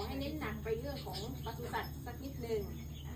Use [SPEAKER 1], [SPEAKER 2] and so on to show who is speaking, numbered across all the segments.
[SPEAKER 1] ให้เน้นหนักไปเรื่องของปศุสัตว์สักนิดนึง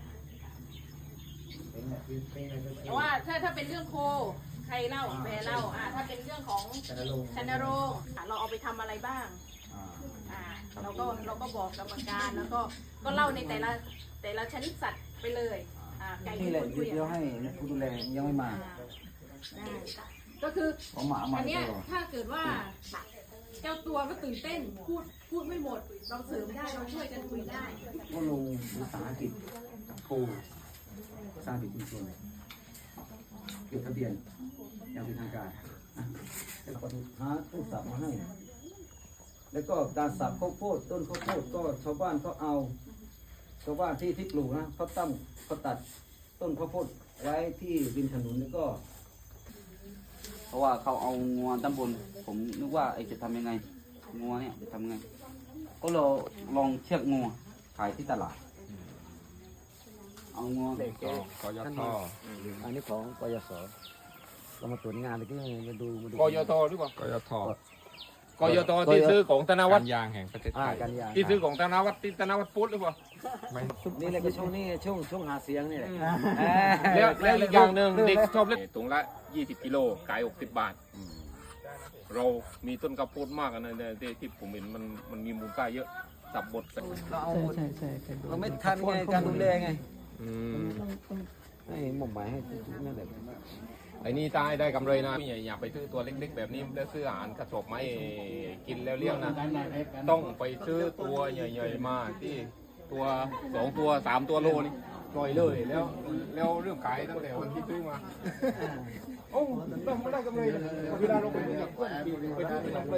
[SPEAKER 1] แต่ว่าถ้าเป็นเรื่องโคใครเล่าแปรเล่าถ้าเป็นเรื่องของชันโรงเราเอาไปทำอะไรบ้างเราก็บอกกรรมการแล้วก็เล่าในแต่ละชนิดสัตว์ไปเลยไก่ที่คุณคุย
[SPEAKER 2] เดี๋ยวให้ผู้ดูแลยังไม่มา
[SPEAKER 1] ก็คืออันนี้ถ้าเกิดว่าเจ้าตัวก็ตื่นเต้นพูดไม่หมดเราเสริมได้เราช่วยกันคุยได้
[SPEAKER 2] ก็ลงวิสาหกิจโควิสาหกิจชุมชนจดทะเบียนอย่างเป็นทางการแล้วก็หาตู้สับมาให้แล้วก็การสับข้าวโพดต้นข้าวโพดก็ชาวบ้านเขาเอาชาวบ้านที่ปลูกนะเขาตัดต้นข้าวโพดไว้ที่ริมถนนแล้วก็เพราะว่าเขาเอางัวตำบลผมนึกว่าจะทำยังไงงัวเนี่ยจะทำยังไงก็เราลองเชือกงัวขายที่ตลาดเอางัว
[SPEAKER 3] กยท.
[SPEAKER 2] อันนี้ของกยศเรามาตรวจงานเลยที่มาดู
[SPEAKER 3] กยท.หรือเปล่ากยท.ที่ซื้อของธนวัฒน์
[SPEAKER 4] ยางแห่งประเทศไทย
[SPEAKER 3] ที่ซื้อของธนวัฒน์ที่ธนวัฒน์พุทธหรือเปล่า
[SPEAKER 2] นี่แหละก็ช่วงหาเสียงนี่แหละ
[SPEAKER 3] แล้วอีกอย่างหนึ่งเด็กชอบเล่นถุงละ20 กิโลขาย60 บาทเรามีต้นกระโพดมากนะที่ผมเห็นมันมีมูลค่าเยอะสับบดใช่เราไม่ทันไงการดูแลไงให้หม่อมหมายให้นั่นแหละไอ้นี่ตายได้กำไรนะอย่าไปซื้อตัวเล็กๆแบบนี้แล้วซื้ออาหารกระสอบไม้กินแล้วเลี้ยงนะต้องไปซื้อตัวใหญ่ๆมาที่ตัว2 ตัว 3 ตัวโลนี่ปล่อยเลยแล้วเรื่องขายตั้งแต่วันที่ซื้อมาโอ้ไม่ได้กำไรเวลาเราไปซื้อกับเพื่อนไปซื้อ